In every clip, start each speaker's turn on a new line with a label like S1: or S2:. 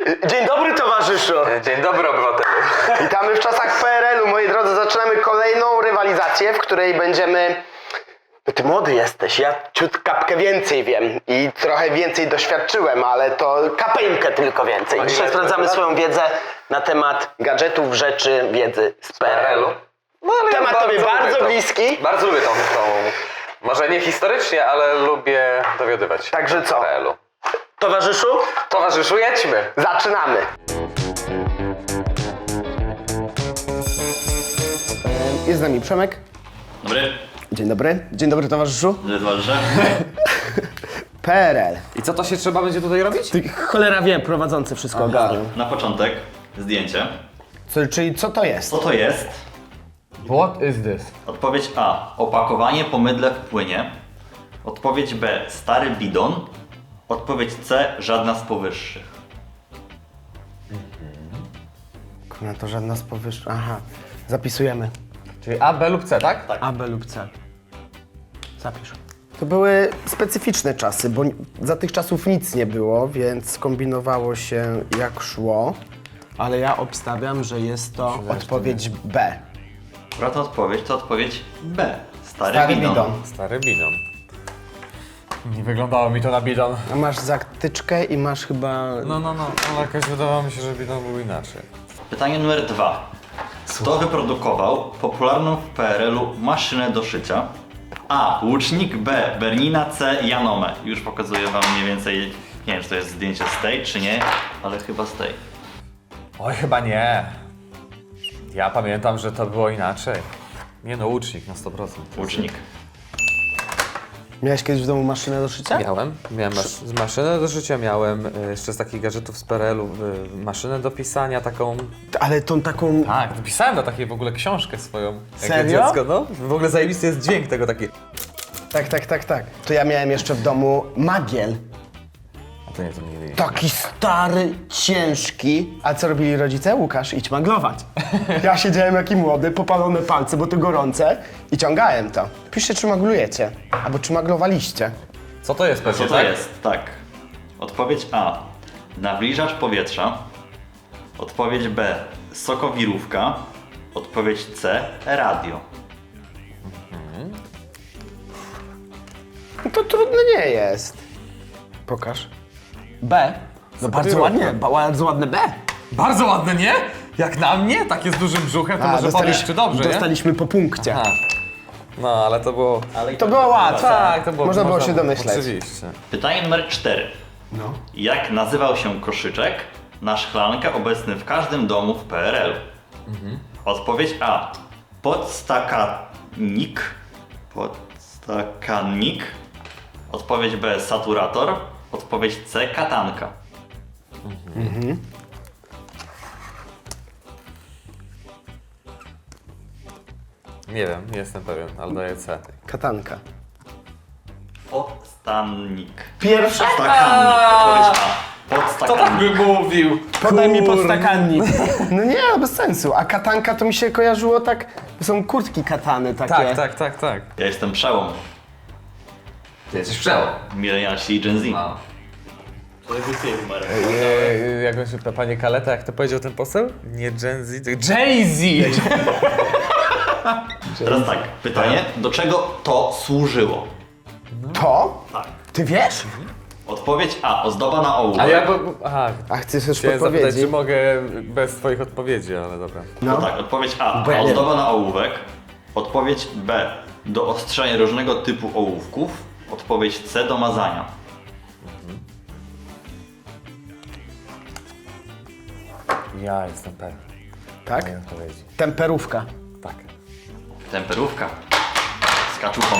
S1: Dzień dobry, towarzyszu.
S2: Dzień dobry, obywatelu.
S1: Witamy w czasach PRL-u, moi drodzy. Zaczynamy kolejną rywalizację, w której będziemy... No ty młody jesteś, ja ciut kapkę więcej wiem i trochę więcej doświadczyłem, ale to kapelkę tylko więcej. Dzisiaj sprawdzamy swoją wiedzę na temat gadżetów, rzeczy, wiedzy z PRL-u.
S2: No, ale
S1: Temat
S2: ja
S1: tobie bardzo
S2: lubię to.
S1: bliski.
S2: Bardzo lubię tą, może nie historycznie, ale lubię dowiadywać.
S1: Także co?
S2: PRL-u.
S1: Towarzyszu,
S2: Towarzyszu, jedźmy.
S1: zaczynamy. Jest z nami Przemek.
S3: Dobry,
S1: Dzień dobry. Dzień dobry, towarzyszu.
S3: towarzysze.
S1: PRL.
S2: I co to się trzeba będzie tutaj robić?
S1: Ty, cholera wie, prowadzący wszystko ogarnął.
S3: Na początek zdjęcie.
S1: Czyli co to jest?
S3: Co to jest?
S2: What is this?
S3: Odpowiedź A. Opakowanie po mydle w płynie. Odpowiedź B. Stary bidon. Odpowiedź C. Żadna z powyższych.
S1: No to żadna z powyższych. Aha, zapisujemy.
S2: Czyli A, B lub C, tak? Tak.
S1: A, B lub C. Zapisz. To były specyficzne czasy, bo za tych czasów nic nie było, więc kombinowało się jak szło. Ale ja obstawiam, że jest to odpowiedź B.
S3: Prawda odpowiedź to odpowiedź B. Stary
S1: Stary
S3: bidon.
S1: bidon.
S4: Stary bidon. Nie wyglądało mi to na bidon.
S1: A masz zatyczkę i masz chyba...
S4: No, ale jakoś wydawało mi się, że bidon był inaczej.
S3: Pytanie numer 2. Kto wyprodukował popularną w PRL-u maszynę do szycia? A. Łucznik. B. Bernina. C. Janome. Już pokazuję wam mniej więcej, nie wiem czy to jest zdjęcie z tej czy nie, ale chyba z tej.
S4: Oj, chyba nie. Ja pamiętam, że to było inaczej. Nie no, łucznik na 100%.
S3: Łucznik.
S1: Miałeś kiedyś w domu maszynę do szycia?
S4: Miałem maszynę do życia, miałem jeszcze z takich gadżetów z PRL-u maszynę do pisania, taką...
S1: Ale tą taką...
S4: Tak, pisałem na takiej w ogóle książkę swoją. Jak
S1: Serio?
S4: dziecko, no. W ogóle zajebisty jest dźwięk tego taki.
S1: Tak. To ja miałem jeszcze w domu magiel.
S4: A to nie, to nie.
S1: Taki stary, ciężki. A co robili rodzice? Łukasz, idź maglować. Ja siedziałem jaki młody, popalone palce, bo to gorące i ciągałem to. Piszcie, czy maglujecie, albo czy maglowaliście.
S4: Co to jest pewnie,
S3: Co to
S4: tak?
S3: jest? Tak. Odpowiedź A. Nawilżacz powietrza. Odpowiedź B. Sokowirówka. Odpowiedź C. Radio.
S1: No to trudne nie jest. Pokaż. B. No bardzo
S4: Sokowirówka.
S1: ładnie, bardzo ładne B.
S4: Bardzo ładne, nie? Jak na mnie? Takie z dużym brzuchem, to może powiesz, czy dobrze, nie?
S1: dostaliśmy po punkcie.
S4: Aha. No, ale to było...
S3: Ale
S1: To było łatwe.
S4: Tak, to było...
S1: Można było się domyśleć.
S4: Oczywiście.
S3: Pytanie numer 4.
S1: No.
S3: Jak nazywał się koszyczek na szklankę obecny w każdym domu w PRL? Odpowiedź A. Podstakanik. Podstakanik. Odpowiedź B. Saturator. Odpowiedź C. Katanka.
S4: Nie wiem, nie jestem pewien, ale daję C.
S1: Katanka.
S3: Podstanik.
S1: Pierwsza?
S3: Podstakannik. Odpowiedź A. Podstakannik.
S4: by mówił?
S1: Podaj mi podstakannik. No nie, bez sensu. A katanka to mi się kojarzyło tak... To są kurtki katany takie.
S4: Tak.
S3: Ja jestem przełom.
S2: Ty jesteś przełom.
S3: Milenialsi i Gen Z.
S2: A.
S4: Jak on się, panie Kaleta, jak to powiedział ten poseł? Nie Gen Z, tylko Jay-Z!
S3: Teraz tak, pytanie, do czego to służyło?
S1: To?
S3: Tak.
S1: Ty wiesz?
S3: Odpowiedź A. Ozdoba na ołówek.
S4: A ja aha,
S1: A chcesz już
S4: chciałem zapytać,
S1: podpowiedzi?
S4: czy mogę bez twoich odpowiedzi, ale dobra.
S3: No
S1: No.
S3: tak, odpowiedź A.
S1: Bo ja nie
S3: Ozdoba na ołówek. Odpowiedź B. Do ostrzenia różnego typu ołówków. Odpowiedź C. Do mazania.
S4: Ja jestem pewien
S1: Tak?
S4: mojej odpowiedzi.
S1: Temperówka.
S4: Tak.
S3: Temperówka. Z kaczuchą.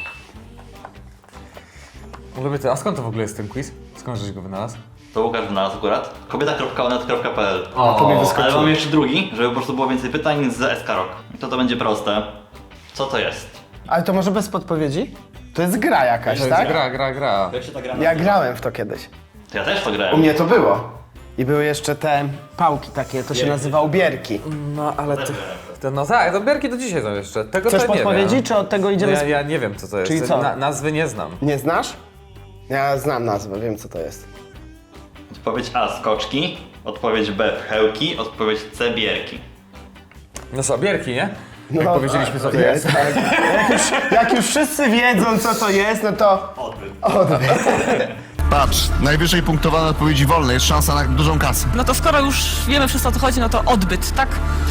S4: Lubię to. A skąd to w ogóle jest ten quiz? Skąd żeś go wynalazł?
S3: To Łukasz wynalazł akurat. Kobieta.onet.pl.
S1: To mi
S3: Ale
S1: wyskoczyło.
S3: mam jeszcze drugi, żeby po prostu było więcej pytań z SK Rock. To będzie proste. Co to jest?
S1: Ale to może bez podpowiedzi? To jest gra jakaś,
S4: To
S1: tak?
S4: jest gra.
S3: Jak się ta gra
S1: Ja
S3: nazywa?
S1: grałem w to kiedyś.
S3: To ja też to
S1: U
S3: grałem.
S1: mnie to było. I były jeszcze te pałki takie, to się nazywało bierki.
S4: No ale to no tak, to bierki do dzisiaj są jeszcze. Tego
S1: Chcesz
S4: to nie
S1: podpowiedzi,
S4: wiem.
S1: czy od tego
S4: No
S1: idziemy?
S4: ja nie wiem co to jest.
S1: Czyli co?
S4: Nazwy nie znam.
S1: Nie znasz? Ja znam nazwę, wiem co to jest.
S3: Odpowiedź A. Skoczki. Odpowiedź B pchełki, odpowiedź C bierki.
S4: No co, bierki, nie?
S1: No,
S4: Jak powiedzieliśmy, co to jest.
S1: Tak. Jak już wszyscy wiedzą, co to jest, no to...
S3: Odbyt.
S5: Patrz, najwyżej punktowane odpowiedzi wolne, jest szansa na dużą kasę.
S6: No to skoro już wiemy wszystko o co chodzi, no to odbyt, tak?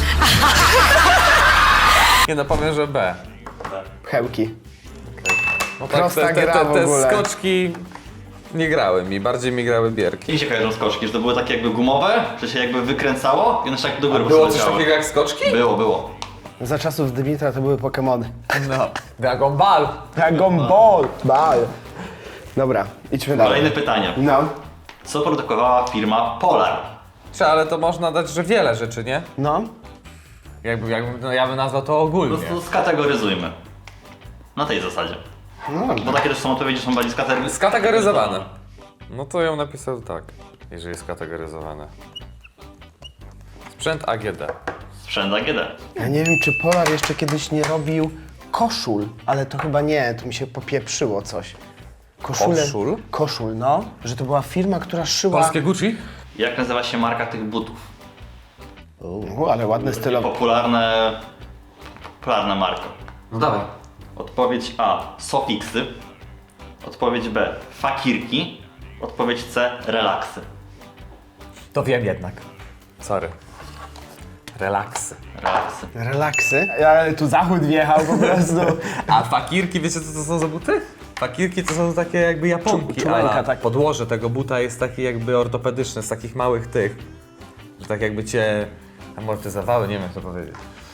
S4: Nie no, powiem, że B.
S1: Pchełki.
S4: No
S1: Prosta gra w
S4: te
S1: ogóle.
S4: skoczki nie grały mi, bardziej mi grały bierki.
S3: Mi się kojarzą skoczki, że to były takie jakby gumowe, że się jakby wykręcało i one się tak do góry po
S4: Było
S3: prostu
S4: coś
S3: leciały.
S4: takiego jak skoczki?
S3: Było.
S1: Za czasów Dymitra to były Pokemony.
S4: No. Dragon Ball.
S1: Dragon Ball. Dobra, idźmy dalej.
S3: Kolejne pytanie.
S1: No.
S3: Co produkowała firma Polar?
S4: Ale to można dać, że wiele rzeczy, nie?
S1: No.
S4: No, ja bym nazwał to
S3: Po
S4: ogólnie.
S3: prostu skategoryzujmy. Na tej zasadzie.
S1: No.
S3: Bo takie też są odpowiedzi, są bardziej
S4: Skategoryzowane. No to ją napisał tak, jeżeli jest skategoryzowane. Sprzęt AGD.
S3: Sprzęt AGD.
S1: Ja nie wiem, czy Polar jeszcze kiedyś nie robił koszul, ale to chyba nie, to mi się popieprzyło coś.
S4: Koszul?
S1: Koszul, no. Że to była firma, która szyła...
S4: Polskie Gucci?
S3: Jak nazywa się marka tych butów?
S1: Ale ładne stylowe.
S3: Popularna marka.
S4: No dawaj.
S3: Odpowiedź A. Sofixy. Odpowiedź B. Fakirki. Odpowiedź C. Relaksy.
S4: To wiem jednak. Sorry. Relaksy.
S3: Relaksy.
S1: Relaksy. Ale tu zachód wjechał po prostu.
S4: A fakirki, wiecie co to są za buty? Fakirki to są takie jakby japonki,
S1: Czulenka,
S4: ale
S1: tak.
S4: podłoże tego buta jest takie jakby ortopedyczne, z takich małych tych, że tak jakby cię amortyzowały, nie wiem jak to powiedzieć.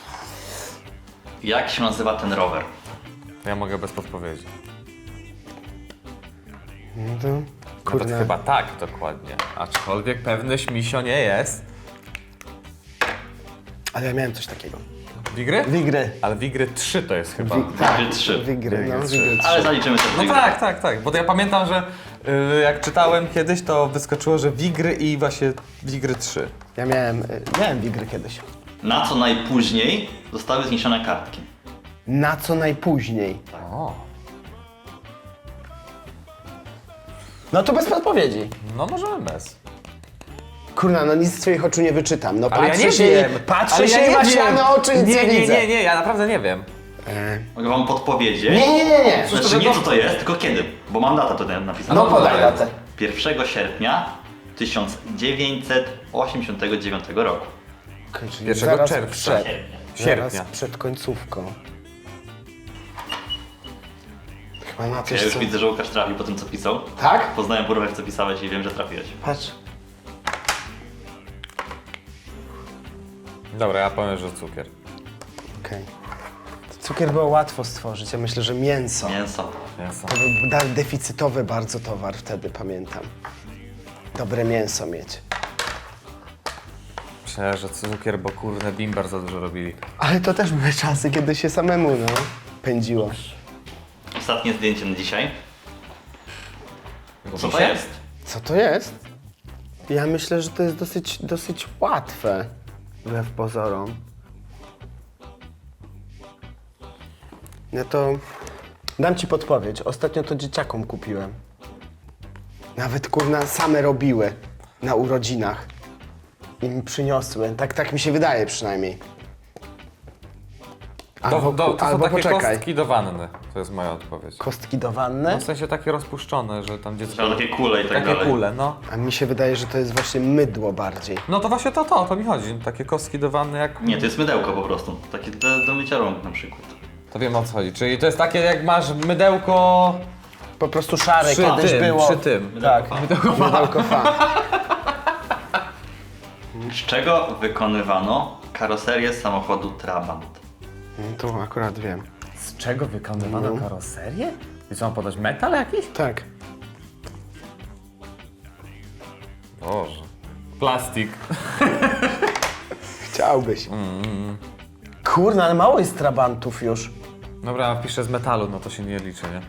S3: Jak się nazywa ten rower?
S4: Ja mogę bez podpowiedzi.
S1: No to,
S4: Nawet chyba tak dokładnie, aczkolwiek pewność misio nie jest.
S1: Ale ja miałem coś takiego.
S4: Wigry?
S1: Wigry.
S4: Ale Wigry 3 to jest chyba.
S3: Wigry 3.
S1: Wigry, no.
S4: trzy.
S1: Wigry
S3: Ale zaliczymy to
S4: No tak, bo to ja pamiętam, że jak czytałem kiedyś, to wyskoczyło, że Wigry i właśnie Wigry 3.
S1: Ja miałem wigry kiedyś.
S3: Na co najpóźniej zostały zniesione kartki?
S1: Na co najpóźniej?
S4: O,
S1: No to bez podpowiedzi.
S4: no możemy bez.
S1: Kurna, no nic z twoich oczu nie wyczytam. No
S4: Ale ja
S1: patrzę
S4: nie
S1: się,
S4: wiem.
S1: patrzę
S4: Ale
S1: się
S4: ja
S1: i
S4: nie
S1: masz
S4: wiem.
S1: na oczy, nic nie widzę.
S4: Nie, ja naprawdę nie wiem.
S3: Mogę wam podpowiedzieć?
S1: Nie.
S3: Znaczy nie co to jest, tylko kiedy. Bo mam datę tutaj napisaną.
S1: No podaj datę.
S3: 1 sierpnia 1989 roku.
S1: Okay, czyli
S4: 1
S1: zaraz
S4: czerwca.
S1: Przed,
S4: Sierpnia.
S1: zaraz przed końcówką. Chyba na
S3: Ja
S1: coś,
S3: już
S1: co...
S3: widzę, że Łukasz trafił po tym, co pisał.
S1: Tak?
S3: Poznałem porówek, co pisałeś i wiem, że trafiłeś.
S1: Patrz.
S4: Dobra, ja powiem, że cukier.
S1: Okej. Cukier było łatwo stworzyć, ja myślę, że mięso.
S3: Mięso.
S4: Mięso.
S1: To był deficytowy bardzo towar wtedy, pamiętam. Dobre mięso mieć.
S4: Myślę, że cukier, bo kurde bimber za dużo robili.
S1: Ale to też były czasy, kiedy się samemu, no, pędziło.
S3: Ostatnie zdjęcie na dzisiaj. Co to
S4: się?
S3: jest?
S1: Co to jest? Ja myślę, że to jest dosyć łatwe. Wbrew pozorom. No to dam ci podpowiedź. Ostatnio to dzieciakom kupiłem. Nawet kurna same robiły na urodzinach. I mi przyniosły. Tak mi się wydaje przynajmniej.
S4: To są takie
S1: poczekaj.
S4: kostki do wanny. To jest moja odpowiedź.
S1: Kostki do wanny?
S4: No, w sensie takie rozpuszczone, że tam dziecko...
S3: Trzeba takie kule i tak
S4: Takie
S3: dalej.
S4: kule, no.
S1: A mi się wydaje, że to jest właśnie mydło bardziej.
S4: No to właśnie to mi chodzi. Takie kostki do wanny jak...
S3: Nie, to jest mydełko po prostu. Takie do mycia rąk na przykład.
S4: To wiem o co chodzi. Czyli to jest takie jak masz mydełko...
S1: Po prostu szare
S4: Przy
S1: kiedyś
S4: tym,
S1: było.
S4: przy tym.
S1: Tak, mydełko fa.
S3: Z czego wykonywano karoserię samochodu Trabant?
S1: To akurat wiem.
S4: Z czego wykonywano karoserię? I co, mam podać metal jakiś?
S1: Tak.
S4: Boże. Plastik.
S1: Chciałbyś. Kurna, ale mało jest trabantów już.
S4: Dobra, piszę z metalu, no to się nie liczy, nie?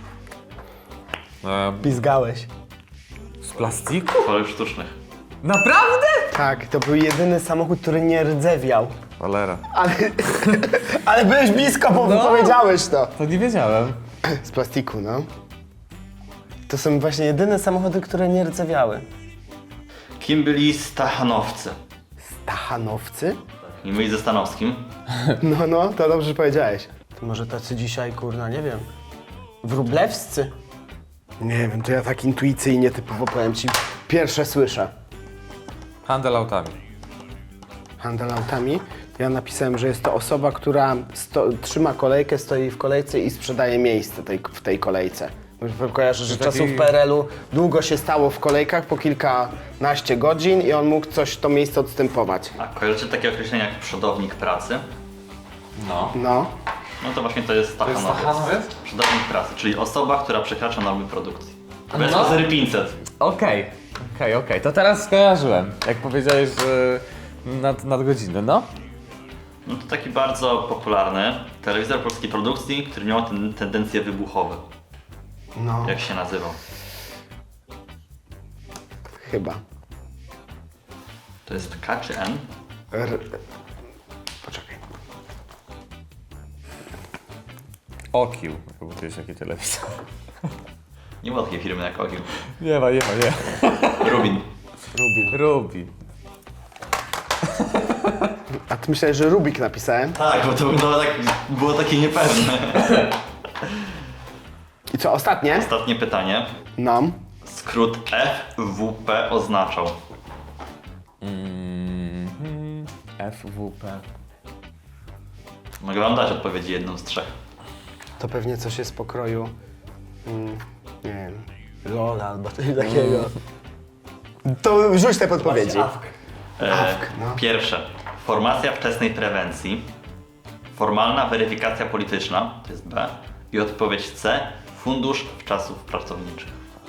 S1: Pizgałeś.
S4: Z plastiku?
S3: Kolor sztucznych.
S4: Naprawdę?
S1: Tak, to był jedyny samochód, który nie rdzewiał.
S4: Cholera.
S1: Ale byłeś blisko, bo powiedziałeś to.
S4: To nie wiedziałem.
S1: Z plastiku, no. To są właśnie jedyne samochody, które nie rdzewiały.
S3: Kim byli Stachanowcy?
S1: Stachanowcy?
S3: Nie myli ze Stanowskim.
S1: No, to dobrze że powiedziałeś. To może tacy dzisiaj, kurna, nie wiem, wróblewscy? Nie wiem, to ja tak intuicyjnie typowo powiem ci, pierwsze słyszę.
S4: Handel autami.
S1: Handel autami. Ja napisałem, że jest to osoba, która trzyma kolejkę, stoi w kolejce i sprzedaje miejsce w tej kolejce. Kojarzę, że
S4: Taki-
S1: czasów PRL-u długo się stało w kolejkach, po kilkanaście godzin i on mógł to miejsce odstępować.
S3: A kojarzycie takie określenia jak przodownik pracy?
S4: No.
S1: No.
S3: No to właśnie to jest
S4: To jest
S3: Stachanowiec.
S4: Stachanowiec?
S3: Przodownik pracy, czyli osoba, która przekracza normy produkcji. Bez
S4: No.
S3: kozery 500.
S4: Okej. To teraz skojarzyłem. Jak powiedziałeś, że nad godzinę, no?
S3: No to taki bardzo popularny telewizor polskiej produkcji, który miał tendencje wybuchowe.
S1: No,
S3: Jak się nazywał?
S1: chyba.
S3: To jest K czy N?
S1: Poczekaj.
S4: Okił. Chyba to jest jaki telewizor.
S3: Nie było takiej firmy jak Ogił.
S4: Nie ma.
S3: Rubin.
S4: Rubi.
S1: A ty myślałeś, że Rubik napisałem?
S3: Tak, bo to było takie niepewne.
S1: I co, ostatnie?
S3: Ostatnie pytanie.
S1: No.
S3: Skrót FWP oznaczał.
S4: FWP.
S3: Mogę wam dać odpowiedzi jedną z trzech.
S1: To pewnie coś jest pokroju, nie wiem, LOL albo coś takiego. To rzuć te podpowiedzi. No.
S3: Pierwsze. Formacja wczesnej prewencji. Formalna weryfikacja polityczna, to jest B. I odpowiedź C. Fundusz wczasów pracowniczych.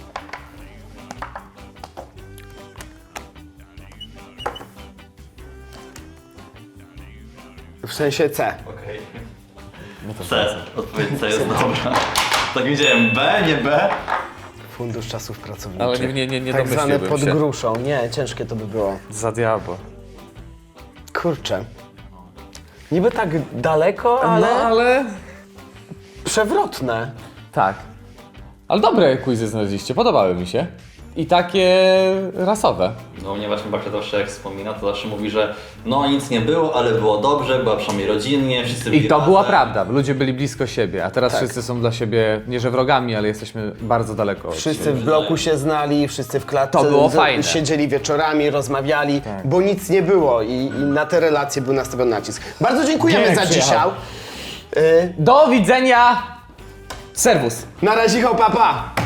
S1: W sensie C.
S3: Okej.
S4: No to
S3: C. Odpowiedź C jest dobra. Tak widziałem, B, nie B.
S1: Fundusz czasów pracowniczych.
S4: Ale nie
S1: tak zwane
S4: domyśliłbym
S1: pod
S4: się.
S1: gruszą. Nie, ciężkie to by było.
S4: Za diabło.
S1: Kurczę. Niby tak daleko, ale
S4: ale...
S1: przewrotne.
S4: Tak. Ale dobre quizy znaleźliście, podobały mi się. I takie rasowe.
S3: No mnie właśnie babcia zawsze jak wspomina, to zawsze mówi, że no nic nie było, ale było dobrze, była przynajmniej rodzinnie, wszyscy byli
S4: I to
S3: razem.
S4: była prawda, ludzie byli blisko siebie, a teraz wszyscy są dla siebie, nie że wrogami, ale jesteśmy bardzo daleko od
S1: Wszyscy
S4: siebie.
S1: w bloku się znali, wszyscy w klatce
S4: To było fajne.
S1: siedzieli wieczorami, rozmawiali, bo nic nie było i na te relacje był nastawiony nacisk. Bardzo dziękujemy
S4: Dzięki,
S1: za dzisiaj.
S4: Do widzenia! Serwus!
S1: Na razie, papa!